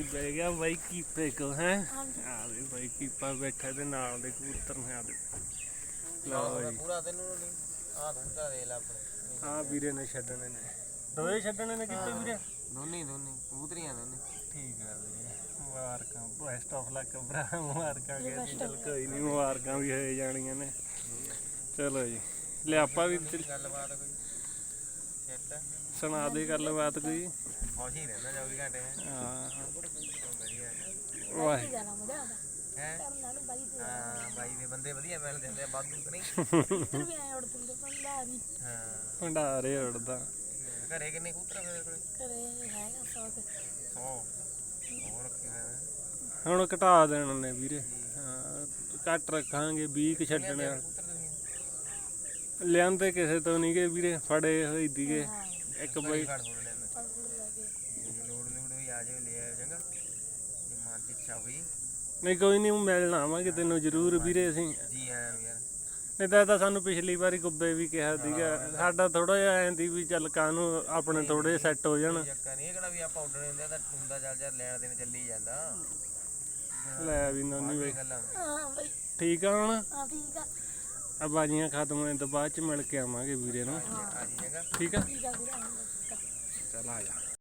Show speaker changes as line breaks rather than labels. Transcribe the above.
ਬਹਿ ਗਿਆ ਬਾਈ ਕੀਪੇ ਕੋ ਹੈ ਆ ਦੇ ਬਾਈ ਕੀਪਾ ਬੈਠਾ ਤੇ ਨਾਲ ਦੇ ਕਬੂਤਰ ਨੇ ਆ ਦੇ ਲਓ ਜੀ
ਪੂਰਾ ਤੈਨੂੰ ਨਹੀਂ ਆ ਧੰਦਾ ਦੇ ਲੈ ਆਪਣੇ
ਆ ਵੀਰੇ ਨੇ ਛੱਡਣੇ ਨੇ ਦੋਏ ਛੱਡਣੇ ਨੇ ਕਿਤੇ ਵੀਰੇ
ਦੋਨੇ ਕਬੂਤਰੀਆਂ ਦੋਨੇ
ਠੀਕ ਆ ਵੀਰੇ ਮੁਬਾਰਕਾਂ ਬੈਸਟ ਆਫ ਲੱਕ ਭਰਾ ਮੁਬਾਰਕਾਂ ਕਹਿੰਦੇ ਚੱਲ ਕੋਈ ਨਹੀਂ ਮੁਬਾਰਕਾਂ ਵੀ ਹੋ ਜਾਣੀਆਂ ਨੇ ਚਲੋ ਜੀ ਲੈ ਆਪਾਂ ਵੀ
ਗੱਲਬਾਤ ਕੋਈ ਸੈੱਟ
ਸੁਣਾ ਦੇ ਗੱਲਬਾਤ ਕੋਈ
ਖੁਸ਼ ਹੀ ਰਹਿੰਦਾ 24 ਘੰਟੇ
ਹਾਂ
ਵਧੀਆ
ਵਾਹ
ਹੈ ਹਾਂ ਬਾਈ ਦੇ ਬੰਦੇ ਵਧੀਆ ਮਿਲ ਜਾਂਦੇ ਆ ਵਾਧੂ ਕਿ ਨਹੀਂ ਹਾਂ
ਭੰਡਾਰੇ ਉੜਦਾ
ਘਰੇ ਕਿੰਨੇ ਕਬੂਤਰ ਮੇਰੇ ਕੋਲ 100 ਹੋਰ ਰੱਖੇ ਹੋਏ ਨੇ
ਹੁਣ ਘਟਾ ਦੇਣ ਨੇ ਵੀਰੇ ਹਾਂ ਘੱਟ ਰੱਖਾਂਗੇ 20 ਕੁ ਛੱਡਣੇ ਆ
ਕਬੂਤਰ ਤੁਸੀਂ
ਲਿਆਂਦੇ ਕਿਸੇ ਤੋਂ ਨਹੀਂ ਗਏ ਵੀਰੇ ਫੜੇ ਹੋਈ ਦੀਗੇ ਇੱਕ ਬਾਈ
ਫੜ ਫੜ ਲੈਂਦਾ ਲੋੜ ਹੋਈ ਆ ਜਾਵੇ ਲੈ ਆਇਓ ਚੰਗਾ ਜੇ ਮਨ ਦੀ ਇੱਛਾ ਹੋਈ
ਨਹੀਂ ਕੋਈ ਨਹੀਂ ਮਿਲਣ ਆਵਾਂਗੇ ਤੈਨੂੰ ਜ਼ਰੂਰ ਵੀਰੇ ਅਸੀਂ
ਜੀ ਆਇਆਂ ਨੂੰ ਯਾਰ
ਨਹੀਂ ਤਾਂ ਸਾਨੂੰ ਪਿਛਲੀ ਵਾਰੀ ਗੁੱਬੇ ਵੀ ਕਿਹਾ ਸੀਗਾ ਸਾਡਾ ਥੋੜਾ ਜਿਹਾ ਐਂ ਦੀ ਵੀ ਚੱਲ ਕਾਹਨੂੰ ਆਪਣੇ ਥੋੜੇ ਸੈੱਟ ਹੋ ਜਾਣ
ਚੱਕਰ ਨਹੀਂ ਇਹ ਕਿਹੜਾ ਵੀ ਆਪਾਂ ਆਰਡਰ ਦਿੰਦੇ ਤਾਂ ਹੁੰਦਾ ਚੱਲ ਲੈਣ ਦੇਣ ਚੱਲੀ ਜਾਂਦਾ
ਲੈ ਵੀ ਨੋਨੀ ਬਈ
ਗੱਲਾਂ
ਠੀਕ ਆ ਹੁਣ
ਹਾਂ ਠੀਕ ਆ
ਆ ਬਾਜੀਆਂ ਖਤਮ ਹੋਣ ਤੋਂ ਬਾਅਦ ਚ ਮਿਲ ਕੇ ਆਵਾਂਗੇ ਵੀਰੇ ਨੂੰ
ਆ ਜੀ ਚੰਗਾ
ਠੀਕ ਆ
ਠੀਕ ਆ ਵੀਰੇ
ਚੱਲ ਆ ਜਾ